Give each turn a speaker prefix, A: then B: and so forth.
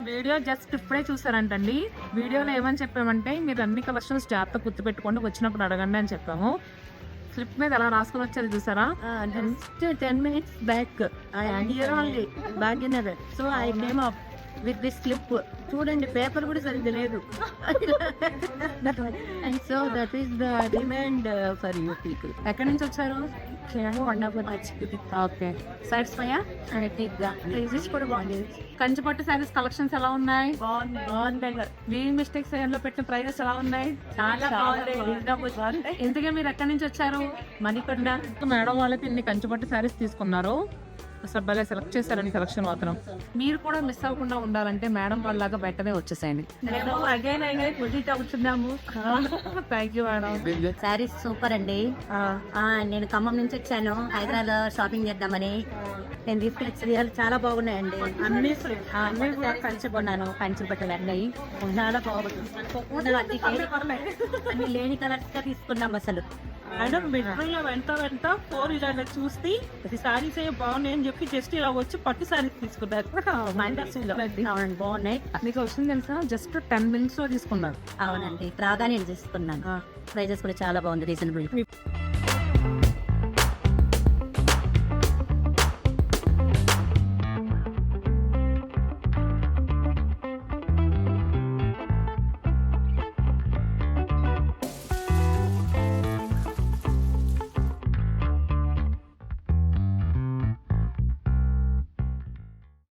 A: Video just ఇప్పుడే చూసారంటండి. వీడియోలో ఏమని చెప్పామంటే మీరు అన్ని కలెక్షన్స్ జాగ్రత్త గుర్తుపెట్టుకోండి, వచ్చినప్పుడు అడగండి అని చెప్పాము. స్లిప్ మీద ఎలా రాసుకొని వచ్చేది చూసారా?
B: Just 10 minutes back, I am here only, Bhaginagar. So I came up with this slip. చూడండి పేపర్ కూడా సరిగ్గా లేదు. And so that is the demand for you people.
A: ఎక్కడి నుంచి వచ్చారు? ఓకే. సాటిస్ఫైయా?
B: ప్రైజెస్ కూడా బాగుంది.
A: కంచిపట్టు శారీస్ కలెక్షన్స్ ఎలా ఉన్నాయి?
B: బాగుంది.
A: వీల్ మిస్టేక్స్ లో పెట్టిన ప్రైజెస్ ఎలా ఉన్నాయి?
B: చాలా బాగుంది.
A: ఇంతగా మీరు ఎక్కడి నుంచి వచ్చారు?
B: మణికొండ.
A: మేడం వాళ్ళకి ఇన్ని కంచిపట్టు శారీస్ తీసుకున్నారు. అసలు భలే సెలెక్ట్ చేశారని కలెక్షన్ మాత్రం. మీరు కూడా మిస్ అవ్వకుండా ఉండాలంటే మేడం వాళ్ళలాగా వెంటనే వచ్చేసేయండి.
B: అగైన్ అవుతున్నాము.
A: Thank you madam.
B: Saris super అండి. నేను ఖమ్మం నుంచి వచ్చాను హైదరాబాద్ షాపింగ్ చేద్దామని. నేను తీసుకునే చీరలు చాలా బాగున్నాయండి. అన్ని కంచి కొన్నాను. కంచి బట్టలు అన్నాయి చాలా బాగుంది. అన్ని లేని కలర్స్ గా తీసుకున్నాం. అసలు
C: మేడం మెట్రోలో వెంట 4 ఇలా చూసి సారీస్ ఏ బాగున్నాయి అని చెప్పి జస్ట్ ఇలా వచ్చి పట్టు సారీస్ తీసుకున్నారు.
B: బాగున్నాయి.
A: మీకు వచ్చింది తెలుసా? జస్ట్ 10 minutes లో తీసుకున్నారు.
B: అవునండి రాగా నేను తీసుకున్నాను. ప్రైజెస్ కూడా చాలా బాగుంది, రీజనబుల్.